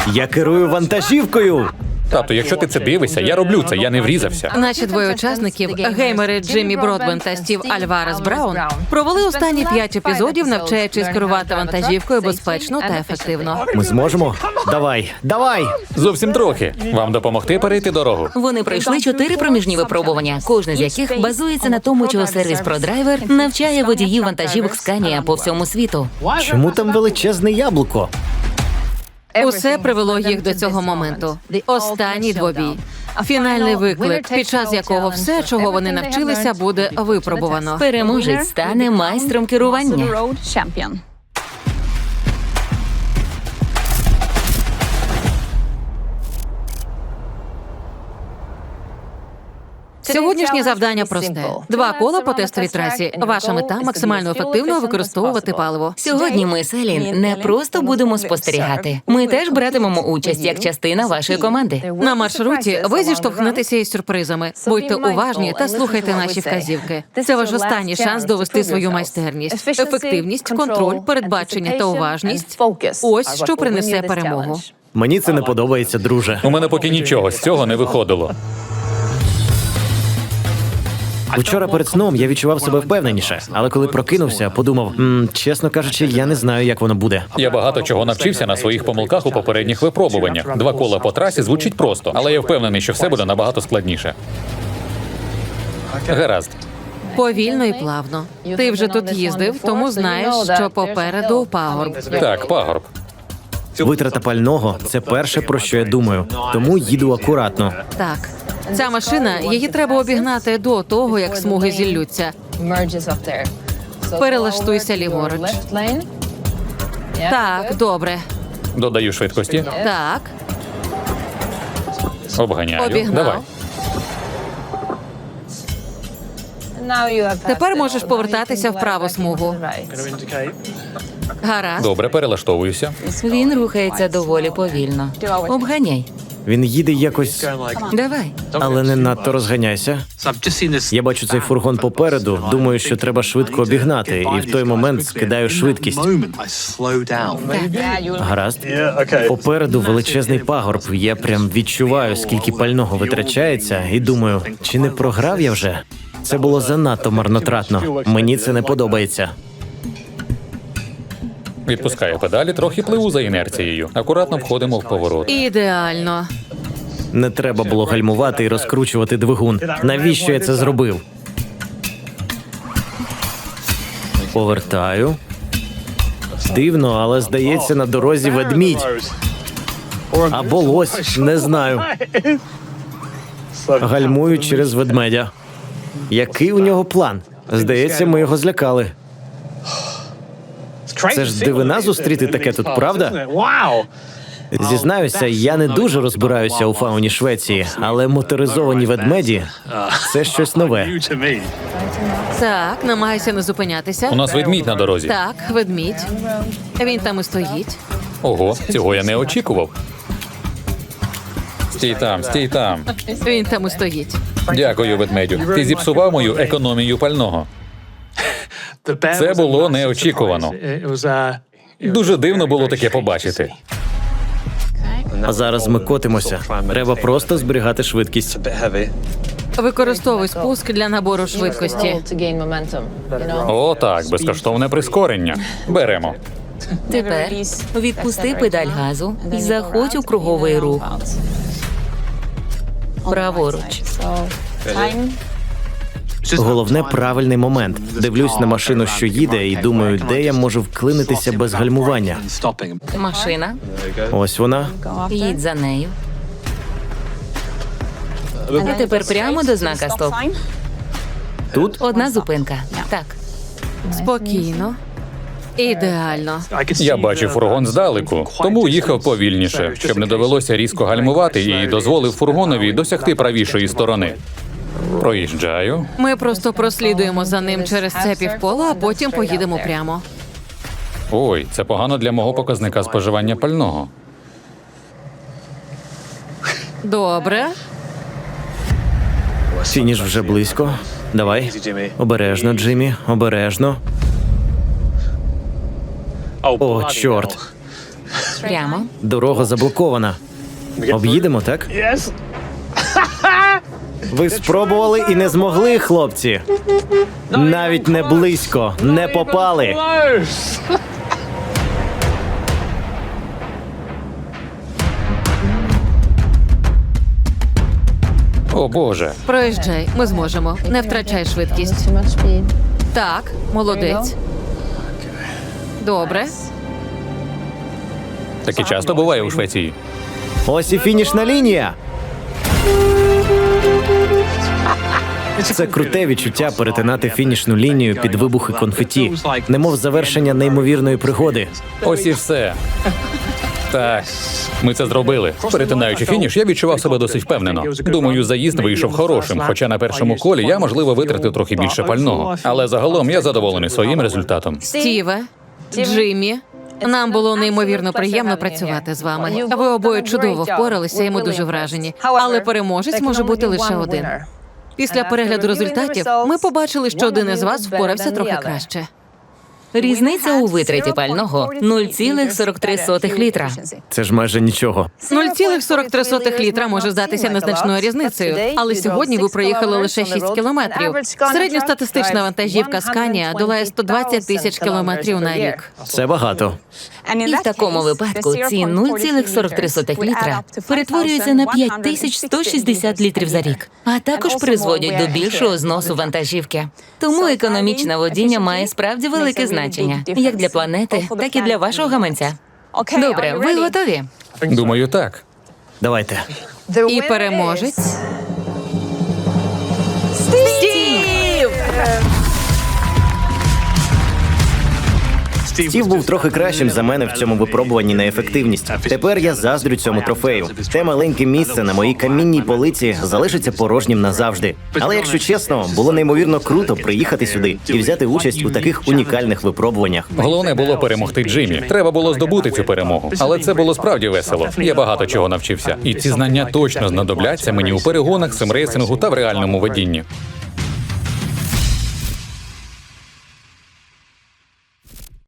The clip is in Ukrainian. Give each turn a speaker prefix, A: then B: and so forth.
A: Я керую вантажівкою!
B: Тато, якщо ти це дивишся, я роблю це, я не врізався.
C: Наші двоє учасників, геймери Джиммі Бродбен та Стів Альварес Браун, провели останні 5 епізодів, навчаючись керувати вантажівкою безпечно та ефективно.
A: Ми зможемо? Давай, давай!
B: Зовсім трохи. Вам допомогти перейти дорогу?
D: Вони пройшли 4 проміжні випробування, кожне з яких базується на тому, чого сервіс ProDriver навчає водіїв вантажівок Scania по всьому світу.
A: Чому там величезне яблуко?
C: Усе привело їх до цього моменту. Останній двобій. Фінальний виклик, під час якого все, чого вони навчилися, буде випробувано.
D: Переможець стане майстром керування.
C: Сьогоднішнє завдання просте. 2 кола по тестовій трасі. Ваша мета – максимально ефективно використовувати паливо.
D: Сьогодні ми з Елін не просто будемо спостерігати. Ми теж братимемо участь як частина вашої команди.
C: На маршруті ви зіштовхнетеся із сюрпризами. Будьте уважні та слухайте наші вказівки. Це ваш останній шанс довести свою майстерність. Ефективність, контроль, передбачення та уважність – ось що принесе перемогу.
A: Мені це не подобається, друже.
B: У мене поки нічого з цього не виходило.
A: Вчора перед сном я відчував себе впевненіше, але коли прокинувся, подумав, чесно кажучи, я не знаю, як воно буде.
B: Я багато чого навчився на своїх помилках у попередніх випробуваннях. 2 кола по трасі звучить просто, але я впевнений, що все буде набагато складніше. Гаразд.
C: Повільно і плавно. Ти вже тут їздив, тому знаєш, що попереду пагорб.
B: Так, пагорб.
A: Витрата пального – це перше, про що я думаю, тому їду акуратно.
C: Так. Ця машина, її треба обігнати до того, як смуги зіллються. Перелаштуйся ліворуч. Так, добре.
B: Додаю швидкості.
C: Так,
B: Обганяю.
C: обігнав.
B: Давай.
C: Тепер можеш повертатися в праву смугу. Гаразд.
B: Добре, перелаштовуюся.
D: Він рухається доволі повільно. Обганяй.
A: Він їде якось,
D: Давай.
A: але не надто розганяйся. Я бачу цей фургон попереду, думаю, що треба швидко обігнати, і в той момент скидаю швидкість. Гаразд. Попереду величезний пагорб. Я прям відчуваю, скільки пального витрачається, і думаю, чи не програв я вже? Це було занадто марнотратно. Мені це не подобається.
B: Відпускаю педалі, трохи пливу за інерцією. Акуратно входимо в поворот.
C: Ідеально.
A: Не треба було гальмувати і розкручувати двигун. Навіщо я це зробив? Повертаю. Дивно, але здається, на дорозі ведмідь. Або лось, не знаю. Гальмую через ведмедя. Який у нього план? Здається, ми його злякали. Це ж дивина зустріти таке тут, правда? Зізнаюся, я не дуже розбираюся у фауні Швеції, але моторизовані ведмеді – це щось нове.
C: Так, намагайся не зупинятися.
B: У нас ведмідь на дорозі.
C: Так, ведмідь. Він там і стоїть.
B: Ого, цього я не очікував. Стій там, стій там.
C: Він там і стоїть.
B: Дякую, ведмедю. Ти зіпсував мою економію пального. Це було неочікувано. Дуже дивно було таке побачити.
A: А зараз ми котимося. Треба просто зберігати швидкість.
C: Використовуй спуск для набору швидкості.
B: О, так, безкоштовне прискорення. Беремо.
D: Тепер відпусти педаль газу і заходь у круговий рух. Праворуч.
A: Головне – правильний момент. Дивлюсь на машину, що їде, і думаю, де я можу вклинитися без гальмування.
D: Машина.
A: Ось вона.
D: Їдь за нею. А тепер прямо до знака «Стоп».
A: Тут?
D: Одна зупинка. Так.
C: Спокійно. Ідеально.
B: Я бачив фургон здалеку, тому їхав повільніше, щоб не довелося різко гальмувати і дозволив фургонові досягти правішої сторони. Проїжджаю.
C: Ми просто прослідуємо за ним через це півкола, а потім поїдемо прямо.
B: Ой, це погано для мого показника споживання пального.
C: Добре.
A: Фініш вже близько. Давай. Обережно, Джиммі, обережно. О, чорт.
D: Прямо.
A: Дорога заблокована. Об'їдемо, так? Ви спробували і не змогли, хлопці. Навіть не близько, не попали.
B: О боже.
C: Проїжджай, ми зможемо. Не втрачай швидкість. Так, молодець. Добре.
B: Таке часто буває у Швеції.
A: Ось і фінішна лінія. Це круте відчуття перетинати фінішну лінію під вибухи конфеті, немов завершення неймовірної пригоди.
B: Ось і все. Так, ми це зробили. Перетинаючи фініш, я відчував себе досить впевнено. Думаю, заїзд вийшов хорошим, хоча на першому колі я, можливо, витратив трохи більше пального. Але загалом я задоволений своїм результатом.
C: Стіве, Джиммі, нам було неймовірно приємно працювати з вами. Ви обоє чудово впоралися, і ми дуже вражені. Але переможець може бути лише один. Після перегляду результатів ми побачили, що один із вас впорався трохи краще.
D: Різниця у витраті пального 0,43 літра.
A: Це ж майже нічого.
C: 0,43 літра може здатися незначною різницею, але сьогодні ви проїхали лише 6 кілометрів. Середньостатистична вантажівка Scania долає 120 тисяч кілометрів на рік.
A: Це багато.
D: І в такому випадку ці 0,43 літра перетворюються на 5160 літрів за рік, а також призводять до більшого зносу вантажівки. Тому економічне водіння має справді велике значення, як для планети, так і для вашого гаманця. Добре, ви готові?
B: Думаю, так.
A: Давайте.
C: І переможець
A: Стів був трохи кращим за мене в цьому випробуванні на ефективність. Тепер я заздрю цьому трофею. Те маленьке місце на моїй камінній полиці залишиться порожнім назавжди. Але якщо чесно, було неймовірно круто приїхати сюди і взяти участь у таких унікальних випробуваннях.
B: Головне було перемогти Джиммі. Треба було здобути цю перемогу. Але це було справді весело. Я багато чого навчився. І ці знання точно знадобляться мені у перегонах, симрейсингу та в реальному водінні.